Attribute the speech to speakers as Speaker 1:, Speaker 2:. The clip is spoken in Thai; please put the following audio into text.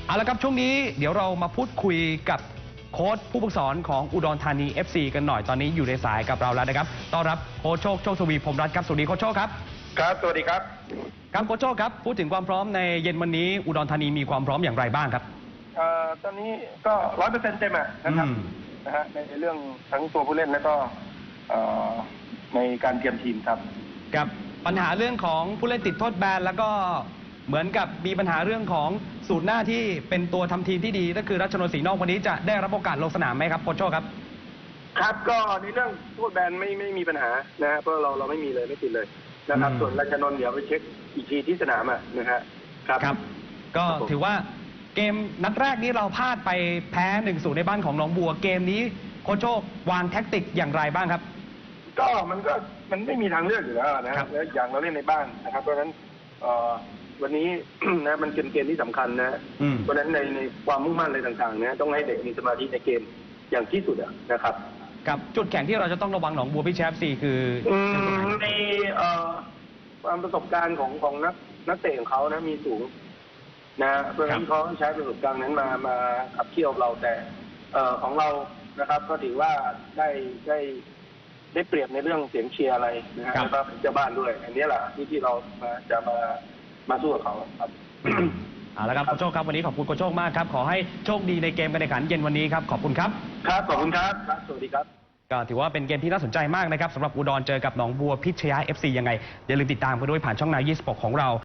Speaker 1: เอาละครับช่วงนี้เดี๋ยวเรามาพูดคุยกับโค้ชผู้ฝึกสอนของอุดรธานี FC กันหน่อยตอนนี้อยู่ในสายกับเราแล้วนะครับต้อนรับโค้ชโชคโชคทวีพรหมรัตน์ครับสวัสดีโค้ชโชคครับ
Speaker 2: ครับสวัสดีครับ
Speaker 1: ครับโค้ชโชคครับพูดถึงความพร้อมในเย็นวันนี้อุดรธานีมีความพร้อมอย่างไรบ้างครับ
Speaker 2: ตอนนี้ก็100%เต็มนะครับนะฮะในเรื่องทั้งตัวผู้เล่นและก็ในการเตรียมทีมครับ
Speaker 1: กับปัญหาเรื่องของผู้เล่นติดโทษแบนแล้วก็เหมือนกับมีปัญหาเรื่องของสูตรหน้าที่เป็นตัวทำทีมที่ดีก็คือรัชนนท์ศรีนอกวันนี้จะได้รับโอกาสลงสนามไหมครับโค้ชโชคครับ
Speaker 2: ครับก็ในเรื่องโทษแบนไม่มีปัญหานะฮะเพราะเราไม่มีเลยไม่ติดเลยนะครับส่วนรัชนนท์เดี๋ยวไปเช็คอีกทีที่สนามนะฮะ
Speaker 1: ครับก็ถือว่าเกมนัดแรกนี้เราพลาดไปแพ้ 1-0 ในบ้านของหนองบัวเกมนี้โค้ชโชควางแท็กติกอย่างไรบ้างครับ
Speaker 2: ก็มันไม่มีทางเลือกอยู่แล้วนะครับแล้วอย่างเราเล่นในบ้านนะครับเพราะฉะนั้นวันนี้นะมันเป็นเกมที่สำคัญนะเพราะฉะนั้นในความมุ่งมั่นอะไรต่างๆนะต้องให้เด็กมีสมาธิในเกมอย่างที่สุดนะครับ
Speaker 1: กับจุดแข็งที่เราจะต้องระวังหนองบัวพิชแชฟซีคือ
Speaker 2: ในความประสบการณ์ของนักเตะของเขานะมีสูงนะเพราะฉะนั้นเขาใช้ประสบการณ์นั้นมาขับเคี่ยวเราแต่ของเรานะครับก็ถือว่าได้เปรียบในเรื่องเสียงเชียร์อะไรนะฮะแล้วก็เป็นเจ้าบ้านด้วยอันนี้แหละที่เราจะมาสู้กับเขาครับ
Speaker 1: เอาละครับโค้ชโชคครับวันนี้ขอบคุณโค้ชโชคมากครับขอให้โชคดีในเกมการแข่งขันเย็นวันนี้ครับขอบคุณครับ
Speaker 2: ครับขอบคุณครับสวัสดีครับ
Speaker 1: ก็ถือว่าเป็นเกมที่น่าสนใจมากนะครับสำหรับอุดรเจอกับหนองบัวพิชยา FC ยังไงอย่าลืมติดตามกันด้วยผ่านช่องนาย26ของเรา